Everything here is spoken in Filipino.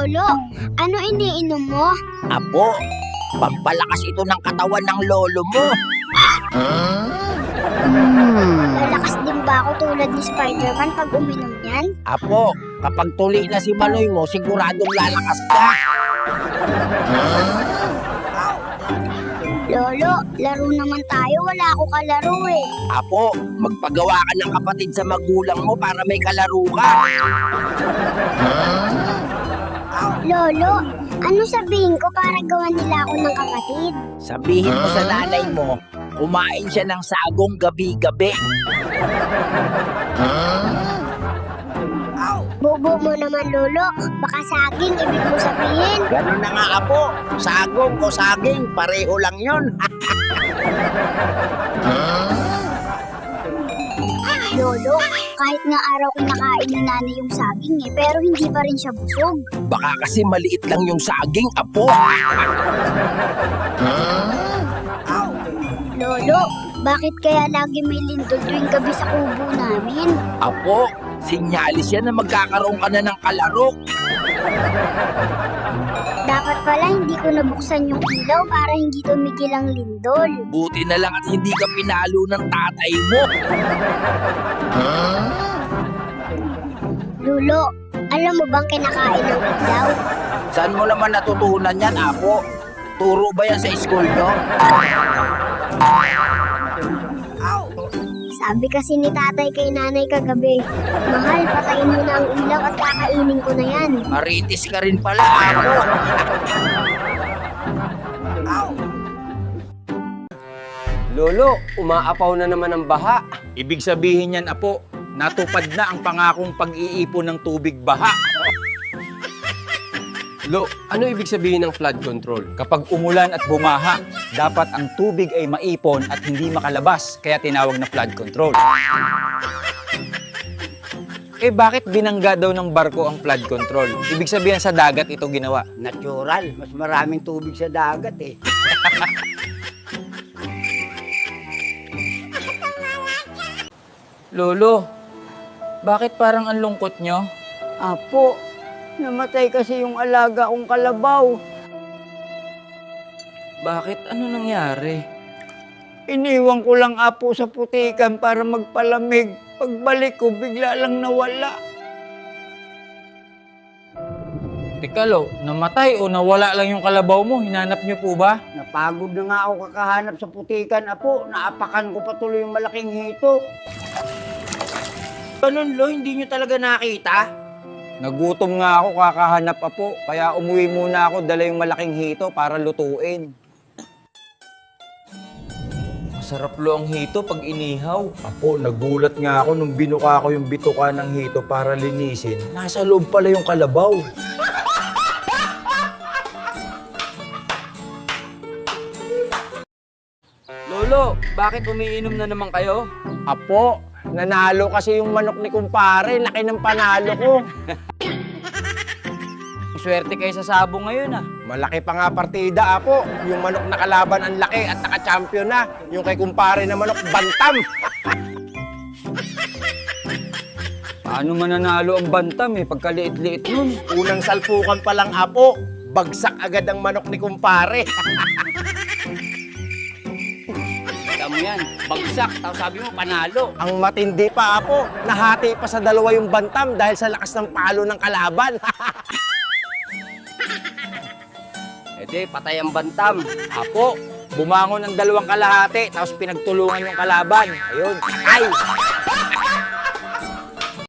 Lolo, ano iniinom mo? Apo, pampalakas ito ng katawan ng lolo mo. Lalakas din ba ako tulad ni Spider-Man pag uminom yan? Apo, kapag tuli na si Manoy mo, siguradong lalakas ka. Lolo, laro naman tayo. Wala ako kalaro eh. Apo, magpagawa ka ng kapatid sa magulang mo para may kalaro ka. Lolo, ano sabihin ko para gawan nila ako ng kapatid? Sabihin mo sa nanay mo, kumain siya ng sagong gabi-gabi. Bobo mo naman, Lolo. Baka saging, ibig mo sabihin. Ganun na nga, Apo. Sagong o saging, pareho lang yon. Lolo, kahit nga araw kinakain ni nanay yung saging eh, pero hindi pa rin siya busog. Baka kasi maliit lang yung saging, Apo. Lolo, bakit kaya lagi may lindol tuwing gabi sa kubo namin? Apo, sinyalis yan na magkakaroon ka na ng kalaro. Dapat pala hindi ko nabuksan yung ilaw para hindi tumigil ang lindol. Buti na lang at hindi ka pinalo ng tatay mo. Lolo, alam mo bang kinakain ng ilaw? Saan mo naman natutunan yan, Apo? Turo ba yan sa school nyo? Sabi kasi ni tatay kay nanay kagabi, mahal, patayin mo na ang ilaw at kakainin ko na yan. Maritis ka rin pala, Apo. Lolo, umaapaw na naman ang baha. Ibig sabihin yan, Apo, natupad na ang pangakong pag-iipon ng tubig baha. Lo, ano ibig sabihin ng flood control? Kapag umulan at bumaha, dapat ang tubig ay maipon at hindi makalabas, kaya tinawag na flood control. Eh bakit binangga daw ng barko ang flood control? Ibig sabihin sa dagat ito ginawa. Natural, mas maraming tubig sa dagat eh. Lolo, bakit parang ang lungkot nyo? Apo, namatay kasi yung alaga kong kalabaw. Bakit? Ano nangyari? Iniwan ko lang apo sa putikan para magpalamig. Pagbalik ko, bigla lang nawala. Teka, Lo, namatay o nawala lang yung kalabaw mo? Hinanap nyo po ba? Napagod na nga ako kakahanap sa putikan, apo. Naapakan ko pa tuloy yung malaking hito. Ganun, Lo, hindi nyo talaga nakita? Nagutom nga ako kakahanap po, kaya umuwi muna ako, dala yung malaking hito para lutuin. Masarap lo ang hito pag inihaw. Apo, nagulat nga ako nung binuka ko yung bituka ng hito para linisin. Nasa loob pala yung kalabaw. Lolo, bakit umiinom na naman kayo? Apo, nanalo kasi yung manok ni kumpare. Laki ng panalo ko. Swerte kayo sa sabong ngayon ah. Malaki pa nga partida, Apo. Yung manok na kalaban ang laki at naka-champion na. Yung kay kumpare na manok, bantam. Paano mananalo ang bantam eh, pagkaliit-liit nun? Unang salpukan pa lang, Apo. Bagsak agad ang manok ni kumpare. Alam mo yan, bagsak, tapos sabi mo panalo. Ang matindi pa, Apo. Nahati pa sa dalawa yung bantam dahil sa lakas ng palo ng kalaban. Ede, patay ang bantam. Apo, bumangon ng dalawang kalahati, tapos pinagtulungan yung kalaban. Ayun, ay!